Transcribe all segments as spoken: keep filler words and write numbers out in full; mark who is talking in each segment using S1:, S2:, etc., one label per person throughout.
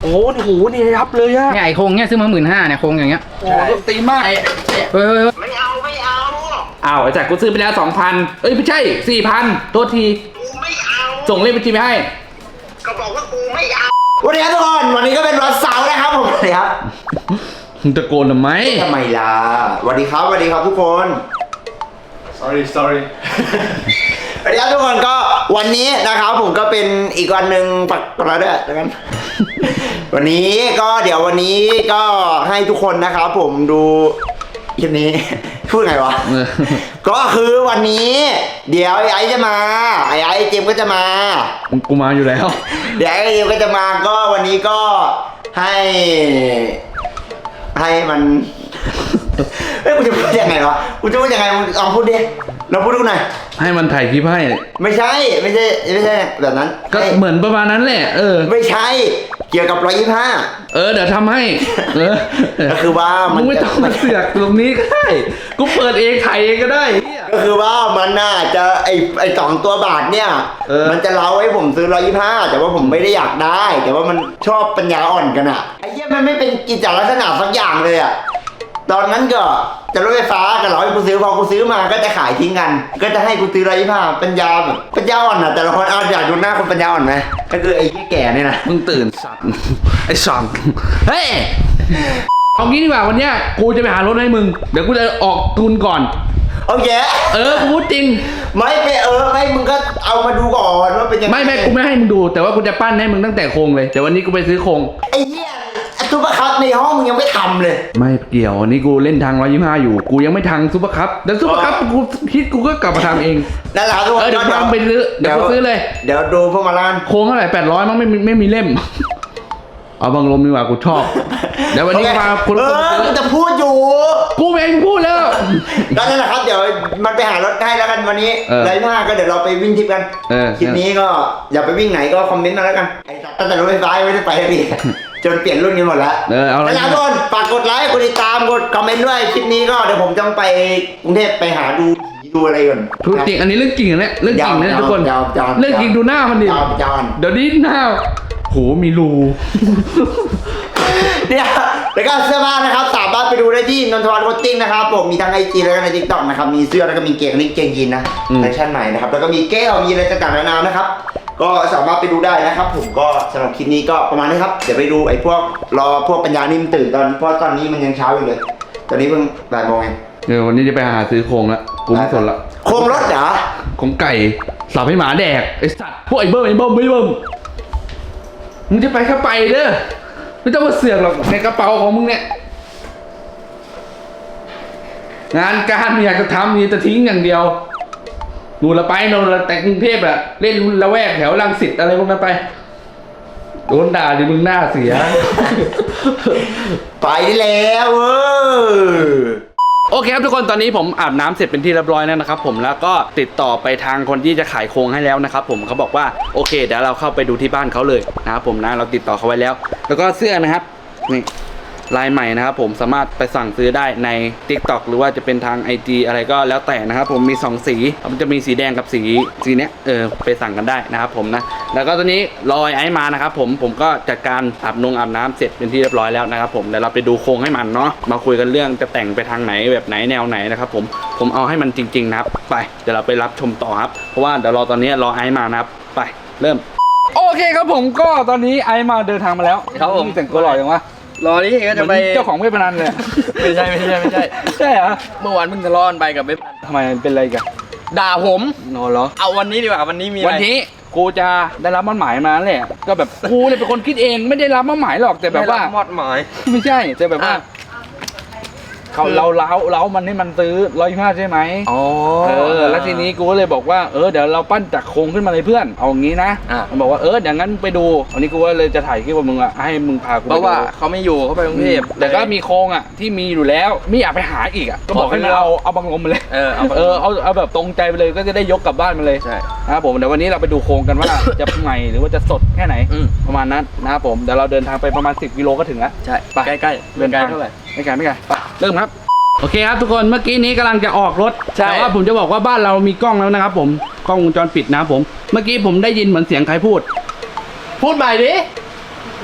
S1: อ้โหนี่ยับเลยอะ
S2: เนี่ยไอโครงเนี่ยซื้อมาหมื่นห้าเนี่ยโครงอย่างเงี้ย
S1: โอ้โหตีมากเฮ้ย
S3: เฮ้ยไม่เอาไม่เอา
S1: อ้าวไอ้จักรกูซื้อไปแล้วสองพันเอ้ยไม่ใช่สี่พันตัวที
S3: กูไม่เอา
S1: ส่งเลขบัญชีไปให้
S3: ก็บอกว่ากูไม่เอาวันนี้ทุกคนวันนี้ก็เป็นวันเสาร์นะครับผมสวัสดีครับ
S1: มึงตะโกนทำไม
S3: ทำไมล่ะสวัสดีครับสวัสดีครับทุกคน
S4: sorry sorry
S3: สวัสดีครับทุกคนก็วันนี้นะครับผมก็เป็นอีกวันหนึ่งปักกระเด้อแล้วกันวันนี้ก็เดี๋ยววันนี้ก็ให้ทุกคนนะครับผมดูคลิปนี้พูดไงวะ ก็คือวันนี้เดี๋ยวไอ้ไอ้จะมาไอ้ไอ้เจมก็จะมา
S1: กูมาอยู่แล้ว
S3: เดี๋ยวไอ้เจมก็จะมาก็วันนี้ก็ให้ให้มันเฮ้ยกูจะพูดยังไงวะกูจะพูดยังไงมึงลองพูดดิเราพูดดูหน่อย
S1: ให้มันถ่ายคลิปให้
S3: ไม่ใช่ไม่ใช่ไม่ใช่แบบนั้น
S1: ก็เหมือนประมาณนั้นแหละเออ
S3: ไม่ใช่เกี่ยวกับร้อยยี่ห้า
S1: เออเดี๋ยวทำให้เออ
S3: ก็คือว่า
S1: มึงไม่ต้องมาเสือกตรงนี้ก็ได้กูเปิดเองถ่ายเองก็ได้
S3: ก็คือว่ามันน่าจะไอไอสองตัวบาทเนี่ยมันจะเล้าให้ผมซื้อร้อยยี่ห้าแต่ว่าผมไม่ได้อยากได้แต่ว่ามันชอบปัญญาอ่อนกันอ่ะไอ้เหี้ยมันไม่เป็นกิจลักษณะสักอย่างเลยอ่ะตอนนั้นก็จะรถไฟฟ้ากันเหรอให้กูซื้อพอกูซื้อมาก็จะขายทิ้งกันก็จะให้กูซื้อร้อยยี่ห้าปัญญาแบบปัญญาอ่อนอ่ะแต่ละคนเอาอยากดูหน้าคนปัญญาอ่อนไหมก็คือไอ้แก่เนี่ยนะ
S1: มึงตื่นสัตว์ไอ้สังเฮ้ยเอางี้ดีกว่าวันเนี้ยกูจะไปหารถให้มึงเดี๋ยวกูจะออกทุนก่อน
S3: โอเค
S1: เออกูพูดจริง
S3: ไม่ไปเออไม่มึงก็เอามาดูก่อนว่าเป็นยังไง
S1: ไม่ไม่กูไม่ให้มึงดูแต่ว่ากูจะปั้นให้มึงตั้งแต่โครงเลยแต่วันนี้กูไปซื้อโครง
S3: ไอ้เหี้ยซุปเปอร์คัพในห้องมึงยังไม่ทำเลย
S1: ไม่เกี่ยววันนี้กูเล่นทางร้อยยี่ห้าอยู่กูยังไม่ทางซุปเปอร์คัพเดี๋ยวซุปเปอร์คัพกูคิดกูก็กลับมาทำเอง
S3: นั่นแหละทุกคน
S1: เออเดี๋ยวทำไปซื้อเดี๋ยวกูซื้อเลย
S3: เดี๋ยวดูพวกมาล้าน
S1: โครงเท่าไหร่แปดร้อยมั้งไม่ไม่มีเล่มเอาบังลมดีกว่ากูชอบเดี๋ยววันนี้มา
S3: คุณเออกูจะพูดอยู่
S1: กูเองพูดแล้ว
S3: ก็นั่นแหละครับเดี๋ยวมันไปหารถให้แล้วกันวันนี้ไรหน้าก็เดี๋ยวเราไปวิ่งทิปกันคลิปนี้ก็อย่าไปวิ่งไหนก็คอมเมนต์มาแล้วกันไอ้ตั้งแต่รถไฟฟ้าไม่ได้ไปเลยจนเปลี่ยนรุ่นกันหมดแล้ว
S1: เออเอาละ
S3: ทุกคนฝากกดไลค์กดติดตามกดคอมเมนต์ด้วยคลิปนี้ก็เดี๋ยวผมจะไปกรุงเทพไปหาดูดูอะไรก่อน
S1: พูดจริงอันนี้เรื่องจริงนะเรื่องจริงนะทุกคนเรื่องจริงดูหน้ามันดิเดี๋ยวนี้หน้าโหมีรู
S3: เนี่ยแล้วก็เสื้อผ้านะครับสามารถไปดูได้ที่นนทวัฒน์โคตติ้งนะครับผมมีทั้งไอจีแล้วก็ในทิกตอกนะครับมีเสื้อแล้วก็มีเกงนี่เกงยีนนะแฟชั่นใหม่นะครับแล้วก็มีแก้วมีอะไรต่างๆนานานะครับก็สามารถไปดูได้นะครับผมก็สำหรับคลิปนี้ก็ประมาณนี้ครับเดี๋ยวไปดูไอ้พวกรอพวกปัญญานิ่มตื่นตอนเพราะตอนนี้มันยังเช้าอยู่เลยตอนนี้เพิ่งบ่ายโมงเอง
S1: เดี๋ยววันนี้จะไปหาซื้อโครงละกูไม่สนละ
S3: โครงรถเหรอ
S1: โครงไก่สับให้หมาแดกไอ้สัตว์พวกไอ้เบิ้มไอ้เบิ้มไม่เบิ้มมึงจะไปแค่ไปเด้อไม่ต้องมาเสือกหรอกในกระเป๋าของมึงเนี่ยงานการอยากจะทำนี่จะทิ้งอย่างเดียวนู่นละไปนู่นละแต่กรุงเทพอะเล่นละแวกแถวรังสิตอะไรพวกนั้นไปโดนด่าดิมึงหน้าเสีย
S3: ไปได้แล้วเออ
S1: โอเคครับทุกคนตอนนี้ผมอาบน้ำเสร็จเป็นที่เรียบร้อยแล้วนะครับผมแล้วก็ติดต่อไปทางคนที่จะขายโครงให้แล้วนะครับผมเขาบอกว่าโอเคเดี๋ยวเราเข้าไปดูที่บ้านเขาเลยนะครับผมนะเราติดต่อเขาไว้แล้วแล้วก็เสื้อนะครับนี่ลายใหม่นะครับผมสามารถไปสั่งซื้อได้ใน ติ๊กต็อก หรือว่าจะเป็นทาง ไอ จี อะไรก็แล้วแต่นะครับผมมีสองสีมันจะมีสีแดงกับสีสีเนี้ยเออไปสั่งกันได้นะครับผมนะแล้วก็ตอนนี้รอไอ้มานะครับผมผมก็จัดการอาบนงอาบน้ำเสร็จเป็นที่เรียบร้อยแล้วนะครับผมเดี๋ยวเราไปดูโครงให้มันเนาะมาคุยกันเรื่องจะแต่งไปทางไหนแบบไหนแนวไหนนะครับผมผมเอาให้มันจริงๆนะครับไปเดี๋ยวเราไปรับชมต่อครับเพราะว่าเดี๋ยวรอตอนนี้รอไอ้มานะครับไปเริ่มโอเคครับผมก็ตอนนี้ไอ้มาเดินทางมาแล้วครับผมแต่งตัวหล่ออย่างวะ
S4: รอนี้ก็จะไป
S1: เจ้าของเว็บพนันเลย
S4: ไม่ใช่ไม่ใช่ไม่ใช่
S1: ใช่เหรอ
S4: เมื่อวานเพิ่งทะเลาะกันไปกับเว็บ
S1: ทำไมเป็นอะไรกัน
S4: ด่าผม
S1: โน่เหรอ
S4: เอาวันนี้ดีกว่าวันนี้มี
S1: วันนี้กูจะได้รับมอบหมายมาแหละก็แบบกูเนี่ยเป็นคนคิดเองไม่ได้รับมอบหมายหรอกแต่แบบว่าม
S4: อบหมาย
S1: ไม่ใช่แต่แบบว่าเขาเราเล้าเล้ามันให้มันซื้อร้อยยี่ห้าใช่ไหม
S4: อ๋อ
S1: เออแล้วทีนี้กูก็เลยบอกว่าเออเดี๋ยวเราปั้นจากโครงขึ้นมาเลยเพื่อนเอาอย่างงี้นะมันบอกว่าเอออย่างนั้นไปดูวันนี้กูก็เลยจะถ่ายคลิปกับมึงอ่ะให้มึงพากู
S4: เพราะว่าเขาไม่อยู่เขาไปกรุงเทพ
S1: แต่ก็มีโครงอ่ะที่มีอยู่แล้วไม่อยากไปหาอีกอ่ะก็บอกให้เราเอาบังลมมาเลย
S4: เออเอา
S1: เออเอาเอาแบบตรงใจไปเลยก็จะได้ยกกลับบ้านมาเลย
S4: ใช่
S1: นะครับผมเดี๋ยววันนี้เราไปดูโครงกันว่าจะใหม่หรือว่าจะสดแค่ไหนประมาณนั้นนะครับผมเดี๋ยวเราเดินทางไปประมาณสิบกิโลก็ถึงแล้ว
S4: ใช่ไปใกล้ๆเดินไกลเท่าไหร่
S1: ไม่ไกลไม่ไกลไปเริ่มครับโอเคครับทุกคนเมื่อกี้นี้กำลังจะออกรถแต่ว่าผมจะบอกว่าบ้านเรามีกล้องแล้วนะครับผมกล้องวงจรปิดนะครับผมเมื่อกี้ผมได้ยินเหมือนเสียงใครพูด
S4: พูดใหม่ดิ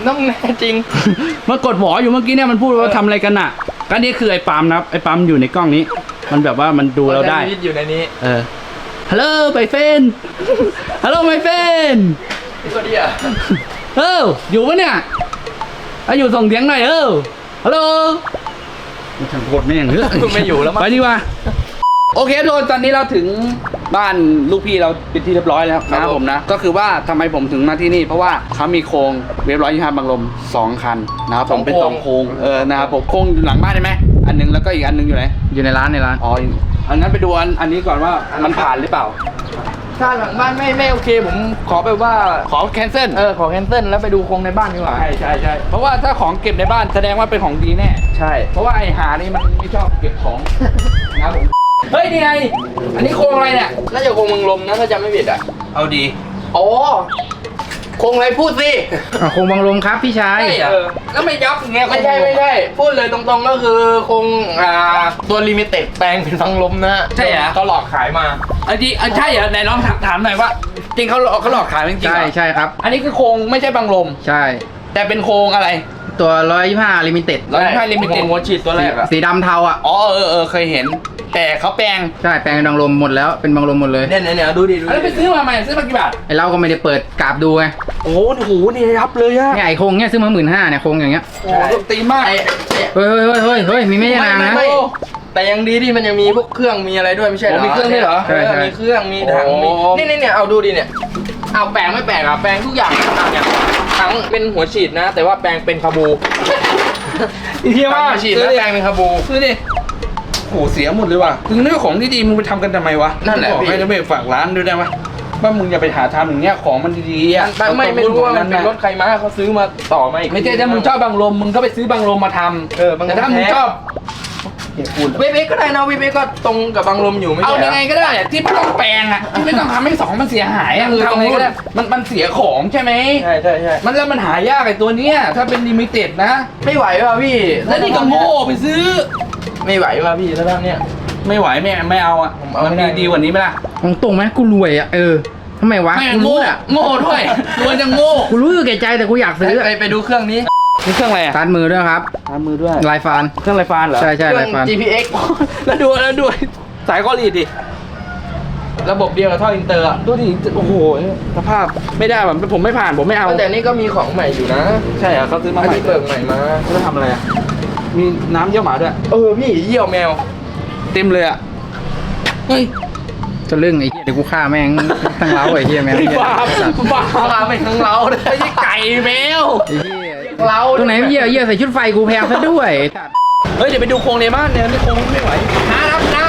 S4: ต้องแน่จริง
S1: มันกดหวออยู่เมื่อกี้เนี่ยมันพูดว่าทำอะไรกันอ่ะก็นี่คือไอ้ปาล์มนะครับไอ้ปาล์มอยู่ในกล้องนี้ มันแบบว่ามันดูเราได้
S4: ชีวิตอยู่ในนี้
S1: เออฮัลโหลไมเฟนฮัลโหลไมเฟน
S4: ก็ดีอ่ะ
S1: เอออยู่ปะเนี่ยเอาอยู่ส่งเสียงหน่อยเออฮัลโหลมันทางโคตรไม่ยังเฮ้ย
S4: ไม่อยู่แล้วมั้ง
S1: ไปดีกว่าโอเคทุกคนตอนนี้เราถึงบ้านลูกพี่เราเป็นที่เรียบร้อยแล้วนะครับผมนะก็คือว่าทำไมผมถึงมาที่นี่เพราะว่าเขามีโครงเว็บร้อยยี่ห้าบางลมสองคันนะครับผมเป็นสองโครงเออนะครับผมโครงอยู่หลังบ้านใช่ไหมอันหนึงแล้วก็อีกอันหนึงอยู่ไหน
S2: อยู่ในร้านในร้าน
S1: อ๋ออันนั้นไปดูอันอันนี้ก่อนว่ามันผ่านหรือเปล่า
S4: ถ้าหลังบ้านไม่ไม่โอเค ผมขอไปว่า
S1: ขอแคนเซิล
S4: เออขอแคนเซิลแล้วไปดูโครงในบ้านดีกว่า
S1: ใช่ใช่ใช่เพราะว่าถ้าของเก็บในบ้านแสดงว่าเป็นของดีแน่
S4: ใช่
S1: เพราะว่าไอ้หานี่มันไม่ชอบเก็บของ นะครับผมเฮ้ยนี่ไงอันนี้โครงอะไรเนี่ย
S4: น่าจะโครงเมืองลมนะถ้าจำไม่ผิดอ่ะ
S1: เอาดี
S4: อ๋อโครงอะไรพูดสิ
S2: อ่ะคงบังลมครับพี่ชาย
S1: ใช่เหรอแล้วไม่ยับอย่างเงี้ย
S4: ไม่ใช่ไม่ใช่ พูดเลยตรงๆก็คือโครงอ่าตัวลิมิเต็ดแปลงเป็นฟังลมนะ
S1: ใช่เหรอ
S4: เขาหลอกขายมา
S1: อันนี้อันใช่เหรอไหนลองถามถามหน่อยว่า จริงเขาหลอกเขาหลอกขายจริงๆ
S2: ใช่
S1: เหรอ
S2: ใช่ครับ
S1: อันนี้คือโครงไม่ใช่บังลม
S2: ใช่
S1: แต่เป็นโครงอะไร
S2: ตัวร้อยยี่ห้าลิมิเต็ด
S1: ร้อยยี่สิบห้า Limited
S4: หัวฉีดตัวแรกอะ
S2: สีดำเทาอ่ะ
S1: อ๋อเออเออเคยเห็น แต่เขาแปลง
S2: ใช่แปลงเป็นบังลมหมดแล้วเป็นบังลมหมดเลย
S4: เนี่ยเนี่ยเนี่ยดูดิดู
S1: อันนี้ไป
S4: ดิ
S1: ซื้อมาใหม่ซื้อมากี่บาท
S2: ไอเราก็ไม่ได้เปิดกราบดูไง
S1: โอ้โหนี่ยับเลยอะ
S2: เนี่ยไอโครงเนี่ยซื้อมาหมื่นห้าเนี่ยโครงอย่างเงี้ย
S1: โอ้โหตีมาก
S4: ไอ้ไอ้
S2: เฮ้ยเฮ้ยเฮ้ยเฮ้ยเฮ้ยมีไม่ใช่นางนะ
S4: ไม่แต่ยังดีที่มันยังมีพวกเครื่องมีอะไรด้วยไม่ใช่เหรอ
S1: โอ้มีเครื่องด้วยเหรอ
S2: ใช่ใช่
S4: มีเครื่องมีถัง
S1: โอ้
S4: มีนี่นี่เนี่ยเอาดูดิเนี่ยเอาแปลงไม่แปลงอ่ะแปลงทุกอย่างอ่ะเนี่ยถังเป็นหัวฉีดนะ แต่ว่าแปลงเป็นคาบู
S1: เฮีย
S4: ถั
S1: ว่าง
S4: หัวฉีด
S1: ซื้อ
S4: แล้ว
S1: ดิ
S4: แปลงเป็นคาบู
S1: ซื้อดิโหเสียหมดเลยว่ะถึงเรื่องของที่ดีมึงไปทำกันทำไมวะ
S4: นั่นแหละ
S1: บอก
S4: พี่
S1: ให้นะเว้ยฝากร้านด้วยได้ไหมว่ามึงอย่าไปหาทำอย่างเงี้ยของมันดีๆอ่ะ
S4: ไม่ไม่ไม่รู้ว่ามันเป็นรถใครมาเขาซื้อมาต่อมาอีก
S1: ไม่ใช่ถ้ามึงชอบบังลมมึงก็ไปซื้อบังลมมาทำ
S4: เออบังลม
S1: แต่ถ้ามึง
S4: แท้
S1: ชอบ
S4: เวฟเอ็กก็ได้นะเวฟเอ็กก็ตรงกับบังลมอยู่ไม่
S1: เอา
S4: ใช่เหร
S1: ยังไงก็ได้อะที่ไม่ต้องแปลงอ่ะที่ไม่ต้องทำให้สองมันเสียหายอ่ะ
S4: คือ
S1: ทำยังไงก็ได้
S4: ตรงนู้น
S1: มันมันเสียของใช่ไหม
S4: ใช่ใช่ใช่
S1: มันแล้วมันหายากไอ้ตัวเนี้ยถ้าเป็นลิมิเต็ดนะ
S4: ไม่ไหวว่ะพี่
S1: แล้วนี่ก็โง่ไปซื้อ
S4: ไม่ไหวว่ะพี่ถ้าทำเนี่ย
S1: ไม่ไหวไม่ไม่เอาอ่ะ
S4: ผมเอา
S1: มัน
S4: ไม่
S1: มี
S4: ได้
S1: ดีกว่านี้ไหมล่ะ
S2: ตรงตรงๆไหมกูรวยอ่ะเออทำไมวะ
S1: ไม่
S2: กู
S1: โง่
S2: รู้อ่ะ
S1: โง่ด้วยตัวจะโง่
S2: กูรู้อยู่แก่ใจแต่กูอยากซื้อ
S4: ไปไปดูเครื่องนี้
S1: นี่เครื่องอะไรอ่ะ
S2: การมือด้วยครับ
S1: ทำมือด้วย
S2: ลายฟาน
S1: เครื่องไรฟานเหรอ
S2: ใช่ใช่
S4: เครื่
S2: ลายฟาน
S4: จี พี เอ็กซ์
S1: แล้วดูแล้วดูสายคอรีดดิ
S4: ระบบเดียวกับท่ออินเตอร์อะ
S1: ดูดิโอ้โหสภาพไม่ได้แบบผมไม่ผ่านผมไม่เอา
S4: แต่นี่ก็มีของใหม่อยู่นะ
S1: ใช่เหรอเขาซื้อมา
S4: อัน
S1: ใหม่
S4: นี้เปิดใหม่มา
S1: เขาจะทำอะไรอ่ะมีน้ำเยี่ยวหมาด้วย
S4: เออพี่เยี่ยวแมว
S1: เต็มเลยอ่ะเฮ้ย
S2: จะเรื่องไอ้เหี้ยเดี๋ยวกูฆ่าแม่งทั้งเล้าไอ้เหี้ยแม่งไอ้เหี้ย
S1: บ้าบ้า
S4: พาไปทั้งเราเลย
S1: ไม่ใช่ไก่แมว
S2: ไอ้เหี้ย
S4: เรา
S2: ตรงไหนเหี้ยเหี้ยใส่ชุดไฟกูแพงซะด้วยไอ้สัตว์
S1: เฮ้ยเดี๋ยวไปดูโครงในบ้านเนี่ยนี่โครงไม่ไหวนะครับนะ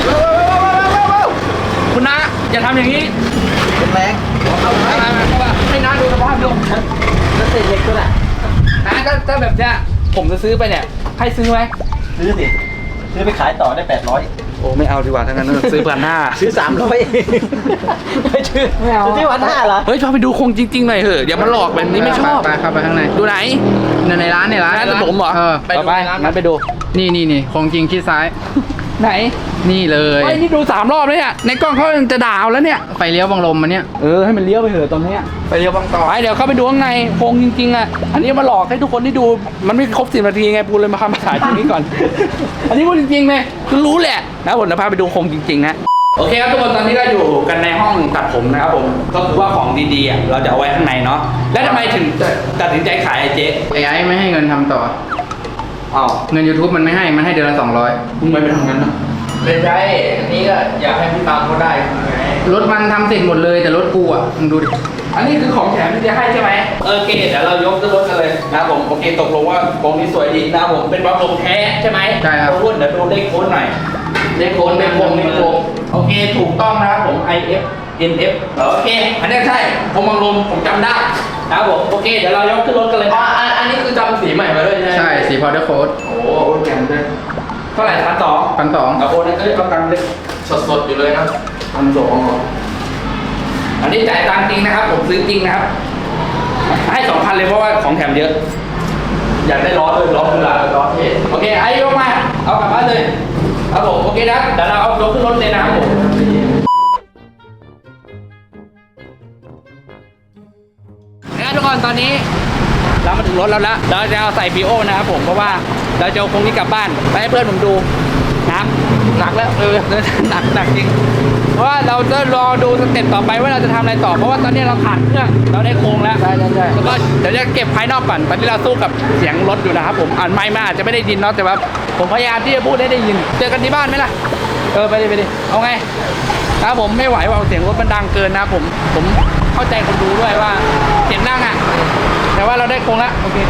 S1: คุณนะอย่าทำอย่างนี้
S4: แรง
S1: เอาอะไรมาเข้ามาให้น้าดูสภาพดู
S4: แล้วเศษเหล็กตัวไหน
S1: น้าก็ถ้าแบบเนี้ยผมจะซื้อไปเนี่ยให้ซื้อไหม
S5: ซื้อสิ ซื้อไปขายต่อได้แปดร้อย
S1: โอ้ไม่เอาดีกว่าทั้งนั้นซื้อพันห้า
S5: ซื้อสามร้อยไม่ซื้อ
S1: ไม่เอา
S5: ซื้อวันห้าเหรอ
S1: เฮ้ยชอบไปดูโครงจริงๆหน่อยเถอะอย่ามาหลอกแบบนี้ไม่ชอบ
S2: ไปเข้าไปข้างใน
S1: ดูไหน
S2: ในในร้านในร้าน
S1: ร้านขนมเหรอ
S2: เออ
S1: ไปดูไปงั้นไปดู
S2: นี่นี่นี่ของจริงคิดซ้าย
S1: ไหน
S2: นี่เลย
S1: เฮ้ยนี่ดูสามรอบแล้วเนี่ยในกล้องเขายังจะด่าเอาแล้วเนี่ย
S2: ไฟเลี้ยวบังลมมันเนี่ย
S1: เออให้มันเลี้ยวไปเถอะตอนเนี้ย
S4: ไปเรียวบางต่อ
S1: ไปเดี๋ยวเข้าไปดูข้างในโครงจริงๆอ่ะอันนี้มาหลอกให้ทุกคนได้ดูมันไม่ครบสิบนาทีไงปูเลยมาทำมาถ่ายตรงนี้ก่อน อันนี้พูดจริงๆเลยคือรู้แหละนะผมจะพาไปดูโครงจริงๆนะโอเคครับทุกคนตอนนี้ก็อยู่กันในห้องตัดผมนะครับผมก็คือว่าของดีๆอ่ะเราจะเอาไว้ข้างในเนาะแล้วทำไมถึงตัดสินใจขายไอ้เจ๊
S2: ไอ้ไอ้ไม่ให้เงินทำต่อ
S1: อ้าว
S2: เงิน YouTube มันไม่ให้มันให้เดือนละสองร้อย
S1: มึงไม่ไปทำงั้นเนาะ
S4: เป็นไรอันนี้ก็อยากให้พี่ตามเขาได้ไง
S2: รถมันทำเสร็จหมดเลยแต่รถกูอ่ะมึงดูดิ
S1: อันนี้คือของแถมที่จะให้ใช่ไหมเออโอเคเดี๋ยวเรายกขึ้นรถกันเลยนะครับผมโอเคตกลงว่าโครงนี้สวยดีนะครับผมเป็นบล็อกลมแท้ใช่ไหม
S2: ใช่ครับ
S1: รุ่นเดี๋ยวดูเลขโค้ดหน่อยเลขโค้ดเลขโค้ดเลขโค้ดโอเคถูกต้องนะครับผม ไอ เอฟ เอ็น เอฟ โอเคอันนี้ใช่ผมบังลมผมจำได้นะครับผมโอเคเดี๋ยวเรายกขึ้นรถกันเลย
S4: อ๋อ
S1: นะ
S4: อันอันนี้คือจำสีใหม่มาด้วยใช่ไหม
S2: ใช่สีพาวเดอร์โค้ด
S1: โอ้โหแถมด้วยเท่าไหร่พันสอง
S2: พันสอง
S1: เอาโอนนั่นก็เอาตังค์เลย
S4: สดๆอยู่เลยนะ
S1: พันสองอันนี้จ่ายตังค์จริงนะครับ ผมซื้อจริงนะครับ ให้สองพันเลยเพราะว่าของแถมเยอะ อยากได้ล้อด้วยล้อคือละ
S4: ล้อเท่
S1: โอเคไอ้ยกมา เอากลับบ้านเลยครับผมโอเคนะเดี๋ยวเราเอายกขึ้นรถเลยนะครับผมนะทุกคนตอนนี้ เราเรามาถึงรถแล้วละเราจะเอาใส่พีโอนะครับผมเพราะว่าเราจะเอาโครงนี้กลับบ้านไปให้เพื่อนผมดูนะหนักแล้วเออหนักหนักจริงเพราะว่าเราจะรอดูสเต็ปต่อไปว่าเราจะทำอะไรต่อเพราะว่าตอนนี้เราขาดเครื่องเราได้โครงแล้วใช่ใช่ใช่แล้วก็เดี๋ยวจะเก็บภายนอกก่อนตอนนี้เราสู้กับเสียงรถอยู่นะครับผมอ่านไมค์มาอาจจะไม่ได้ยินเนาะแต่ว่าผมพยายามที่จะพูดให้ได้ยินเจอกันที่บ้านไหมล่ะเออไปดิไปดิเอาไงนะครับผมไม่ไหวว่าเสียงรถมันดังเกินนะครับผมผมเข้าใจคนดูด้วยว่าเสียงดังอ่ะแต่ว่าเราได้โครงแล้วโอเค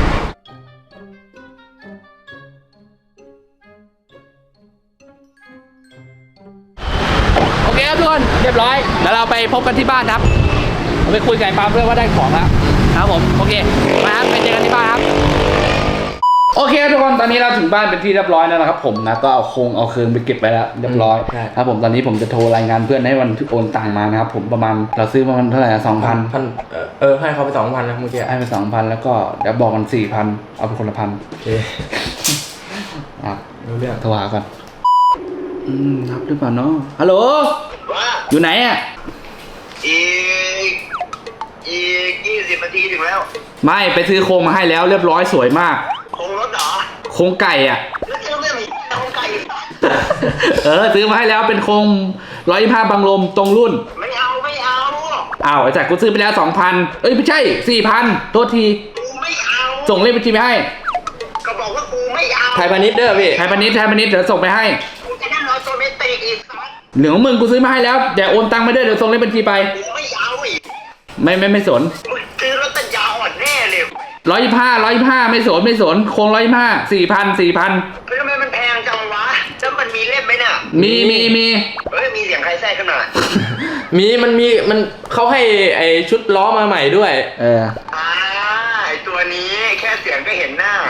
S1: โอเคครับทุกคนเรียบร้อยเดี๋ยวเราไปพบกันที่บ้านครับเราไปคุยกับไอ้ปาล์มด้วยว่าได้ของแล้วครับผมโอเคมาครับไปเจอกันที่บ้านครับโอเคทุกคนตอนนี้เราถึงบ้านเป็นที่เรียบร้อยแล้วนะครับผมนะก็เอาโครงเอาเคืองไปเก็บไปแล้วเรียบร้อยครับผมตอนนี้ผมจะโทรรายงานเพื่อนให้วันโอนตังมานะครับผมประมาณเราซื้อประมาณเท่าไหร่สองพัน
S4: พันเออเออให้เขาไปสองพันนะเมื่อกี้
S1: ให้ไปสองพันแล้วก็เดี๋ยวบอกมันสี่พันเอาไปคนละพัน
S4: โอเค
S1: อ่ะ
S4: รู้เรื่อง
S1: โทรหาก่อนอืมรับหรือเปล่าเนาะฮัลโหล
S3: ว่า
S1: อยู่ไหนอ่ะ
S3: อีกอีกยี่สิบนาทีถึงแล้ว
S1: ไม่ไปซื้อโครงมาให้แล้วเรียบร้อยสวยมาก
S3: คงรถเหรอ
S1: โครงไก่อ่ะ
S3: แล้วเจอเรื่องอีกคงไก่
S1: เออซื้อมาให้แล้วเป็นโครงร้อยยี่ห้าบังลมตรงรุ่น
S3: ไม่เอาไม่เอา
S1: อ้าวไอ้จักรกูซื้อไปแล้วสองพันเอ้ยไม่ใช่สี่พันโทษที
S3: กูไม่เอา
S1: ส่งเลขบัญชีไปให้
S3: ก็บอกว่ากูไม่เอา
S4: ไทยพาณิชย์เด้อพี่
S1: ไทยพาณิชย์ไทยพาณิชย์เดี๋ยวส่งไปให้
S3: กูจะนั่งรอโซเมติกอีกสัก
S1: เหลืองมึงกูซื้อมาให้แล้วเดี๋ยวโอนตังค์มาด้วยเดี๋ยวส่งเลขบัญชีไป
S3: กูไม่เอาอีก
S1: ไม่ไม่ไม่สน
S3: มึงซื้อรถตันยาวอ่อนแน่เลย
S1: ร้อยยี่ห้าร้อยยี่ห้าไม่สนไม่สนโครงร้อยยี่ห้าสี่พันสี่พัน
S3: เฮ้ยทำไมมันแพงจังวะแล้วมันมีเล่มไหมน่ะ
S1: มีมีมี
S3: เฮ้ยมีเสียงใครแทรกขึ้นมา
S4: มีมันมีมันเขาให้ไอชุดล้อมาใหม่ด้วย
S1: เออ
S3: อ่าไอตัวนี้แค่เสียงก็เห็นหน้า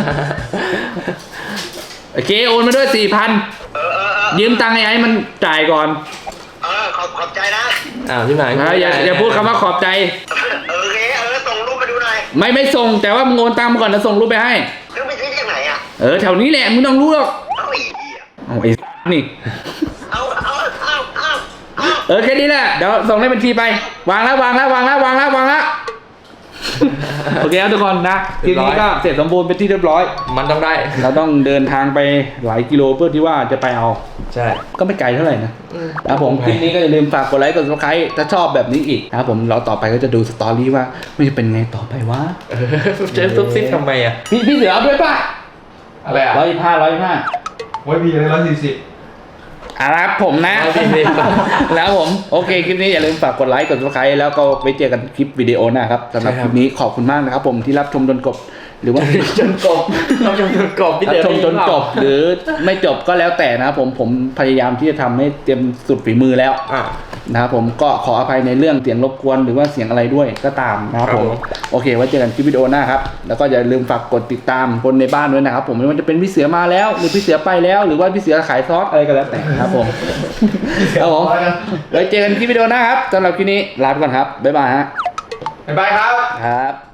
S1: โอเคโอนมาด้วยสี่พัน
S3: เออเออเออ
S1: ยืมตังค์ไอ้ไอ้มันจ่ายก่อน
S3: เออขอบขอบใจนะ
S4: อ้าวพี่หมาย
S1: นะอย่าอย่าพูดคำว่าขอบใจ
S3: เออโอเคเออส่งรูปมาดูหน่อย
S1: ไม่ไม่ส่งแต่ว่ามึงโอนตังค์มาก่อนแล้วส่งรูปไปให้
S3: แล้วไปซื้อจากไหนอ่ะ
S1: เออแถวนี้แหละมึงต้องรู้หรอก
S3: เอาอีกอ่ะ
S1: เอาไอ้นี่
S3: เอาเอาเอาเอาเอา
S1: เออแค่นี้แหละเดี๋ยวส่งเลขบัญชีไป วางแล้ววางแล้ววางแล้ววางแล้ววางแล้ว โอเคครับทุกคนนะทีนี้ก็เสร็จสมบูรณ์เป็นที่เรียบร้อย
S4: มันต้องได้
S1: เราต้องเดินทางไปหลายกิโลเพื่อที่ว่าจะไปเอา
S4: ใช่
S1: ก็ไม่ไกลเท่าไหร่นะนะครับผมคลิปนี้ก็อย่าลืมฝากกดไลค์กด ซับสไครบ์ถ้าชอบแบบนี้อีกนะครับผมเราต่อไปก็จะดูสตอรี่ว่ามันจะเป็นไงต่อไปวะ
S4: เออเจอซุบซิบทำไมอ่ะ
S1: พี่พี่เสือเอาด้วยป่ะ
S4: อะไรอ่ะ
S1: ร้อยยี่ห้าร้อยยี่ห้า
S5: ไว้มีอะไรร้อยสี่สิบ
S1: อ่ะครับผมนะ
S4: ร้อยสี่สิบ
S1: แล้วผมโอเคคลิปนี้อย่าลืมฝากกดไลค์กด ซับสไครบ์แล้วก็ไปเจอกันคลิปวิดีโอหน้าครับสำหรับคลิปนี้ขอบคุณมากนะครับผมที่รับชมจนจบหรือว่า
S4: จนกบเราจนจนกบพี่
S1: รับ
S4: เดี๋ยว
S1: ชมจนจบหรือไม่จบก็แล้วแต่นะครับผมผมพยายามที่จะทำให้เต็มสุดฝีมือแล้ว
S4: อ่ะ
S1: นะครับผมก็ขออภัยในเรื่องเสียงรบกวนหรือว่าเสียงอะไรด้วยก็ตามนะครับผม
S4: ครับผม
S1: โอเคไว้เจอกันคลิปวิดีโอหน้าครับแล้วก็อย่าลืมฝากกดติดตามคนในบ้านด้วยนะครับผมไม่ว่าจะเป็นพี่เสือมาแล้ว หรือพี่เสือไปแล้ว หรือว่าพี่เสือขายซอสอะไรก็แล้วแต่ครับผมครับผมไว้เจอกันคลิปวิดีโอหน้าครับสำหรับคลิปนี้ลาไปก่อนครับบ๊ายบายฮะ
S4: บ๊ายบายครับ
S1: ครับ